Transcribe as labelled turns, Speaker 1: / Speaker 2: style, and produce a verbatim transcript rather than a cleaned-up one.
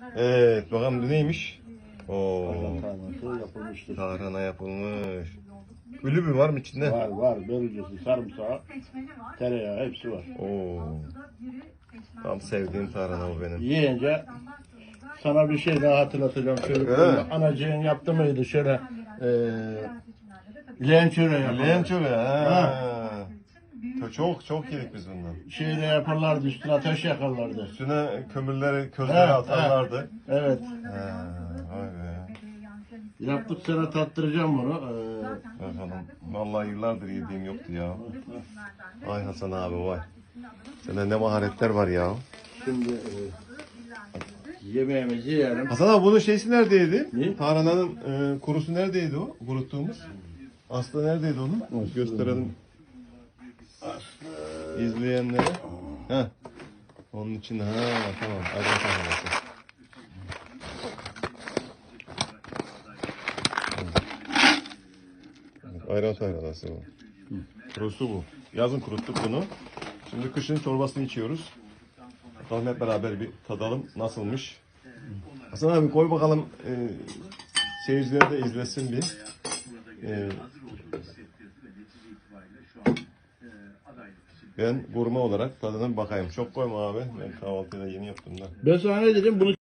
Speaker 1: Evet, bakalım bu neymiş? Oo,
Speaker 2: Tarhanası yapılmıştır.
Speaker 1: tarhana yapılmış. Kulübü var mı içinde?
Speaker 2: Var var. Börülcesi, sarımsağı, tereyağı hepsi var.
Speaker 1: Oo, tam sevdiğim tarhana bu benim.
Speaker 2: Yiyince sana bir şey daha hatırlatacağım. Şöyle
Speaker 1: Evet.
Speaker 2: anacığın yaptı mıydı şöyle e, leğen çöreği yaparlar.
Speaker 1: Leğen çöreği.
Speaker 2: Ha.
Speaker 1: Çok çok yedik biz bundan.
Speaker 2: Şeyle yaparlardı, üstüne ateş yakarlardı.
Speaker 1: Üstüne kömürleri, közleri
Speaker 2: Ha,
Speaker 1: atarlardı.
Speaker 2: Evet.
Speaker 1: Ha, vay be.
Speaker 2: Yaptık, sana tattıracağım bunu. Ee,
Speaker 1: Bakalım. Vallahi yıllardır yediğim yoktu ya. Vay Hasan abi vay. Sende ne maharetler var ya.
Speaker 2: şimdi e, yemeğimizi yiyelim.
Speaker 1: Hasan abi bunun şeysi neredeydi?
Speaker 2: Ne?
Speaker 1: Tarhananın e, kurusu neredeydi o? Kuruttuğumuz. Aslı neredeydi onu?
Speaker 2: Aslı.
Speaker 1: Gösterelim izleyenlere. Heh. Onun için ha tamam. Ayran tarhanası. Ayran tarhanası bu. Kurusu bu. Yazın kuruttuk bunu. Şimdi kışın çorbasını içiyoruz. Bakalım hep beraber bir tadalım nasılmış. Hasan abi koy bakalım e, seyirciler de izlesin bir. E, ben gurme olarak tadına bir bakayım. Çok koyma abi. Ben kahvaltıda yeni yaptım da.
Speaker 2: Ben sana ne dedim? Bunu